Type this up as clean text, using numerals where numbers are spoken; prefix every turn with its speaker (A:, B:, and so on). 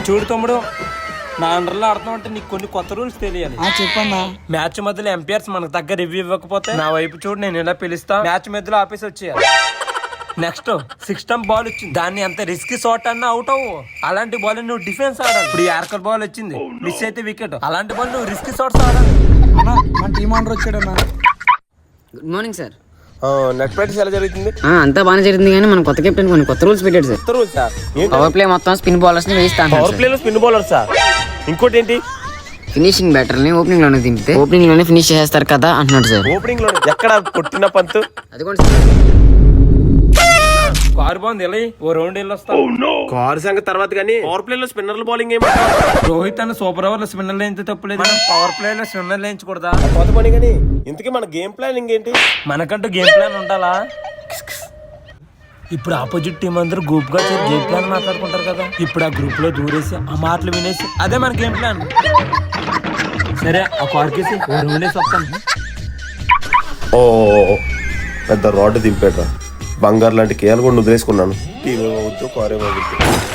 A: చూడు తమ్ముడు, నా అండర్లో ఆడుతున్నావు అంటే నీకు కొన్ని కొత్త రూల్స్ తెలియాలి.
B: చెప్పన్నా.
A: మ్యాచ్ మధ్యలో ఎంపైర్స్ మనకు దగ్గర రివ్యూ ఇవ్వకపోతే నా వైపు చూడు, నేను ఇలా పిలుస్తా, మ్యాచ్ మధ్యలో ఆపేసి వచ్చేయాలి. నెక్స్ట్ 6 స్టంప్ బాల్ వచ్చింది, దాన్ని ఎంత రిస్క్ షాట్ అన్నా అవుట్ అవ్వు. అలాంటి బాల్ నువ్వు డిఫెన్స్ ఆడాలి. ఇప్పుడు యార్కర్ బాల్ వచ్చింది, మిస్ అయితే వికెట్. అలాంటి బాల్ నువ్వు రిస్క్ షాట్స్ ఆడాలి.
B: మన టీం ఆర్డర్ వచ్చాడన్నా.
C: Good morning sir.
D: Net practice ఎలా జరుగుతుంది?
C: అంతా బాగానే జరిగింది, కానీ మన కొత్త కెప్టెన్ కొన్ని కొత్త రూల్స్ పెట్టాడు సార్.
D: కొత్త రూల్స్ సార్.
C: పవర్ ప్లే మొత్తం స్పిన్ బౌలర్స్ ని వేస్తాను.
D: పవర్ ప్లే లో స్పిన్ బౌలర్ సార్. ఇంకోటి ఏంటి,
C: ఫినిషింగ్ బ్యాటర్ ని ఓపెనింగ్ లోనే దింపితే ఓపెనింగ్ లోనే ఫినిష్ చేస్తారు కదా అంటున్నాడు సార్.
D: ఓపెనింగ్ లో ఎక్కడ కొట్టిన పంతు
C: అది కూడా
A: కారు బాగుంది, వెళ్ళి ఓ రౌండ్ వెళ్ళి వస్తా.
D: కారు సంగతి తర్వాత కానీ పవర్ ప్లే లో స్పిన్నర్ల బౌలింగ్ ఏమి
A: రోహిత్ అన్న సూపర్ ఓవర్ లో స్పిన్నర్ లేంచి తప్పులేదు, పవర్ ప్లే లో స్పిన్నర్ లేంచకూడదా?
D: కొత్త పని కానీ. ఇంతకీ మన గేమ్ ప్లానింగ్ ఏంటి?
A: మనకంటూ గేమ్ ప్లాన్ ఉండాలా? ఇప్పుడు ఆపోజిట్ టీం అందరూ గ్రూప్ గా చేరి గేమ్ ప్లాన్ మాట్లాడుకుంటారు కదా, ఇప్పుడు ఆ గ్రూప్ లో దూరేసి ఆ మాటలు వినేసి అదే మన గేమ్ ప్లాన్. సరే, ఆ కార్కేసి ఓ రౌండ్ వేసి వస్తాను.
D: ఓ పెద్ద రాడ్ దింపేట్రా. బంగారు లాంటి కేయాలు కూడా వదిలేసుకున్నాను. టీవీ కారేమో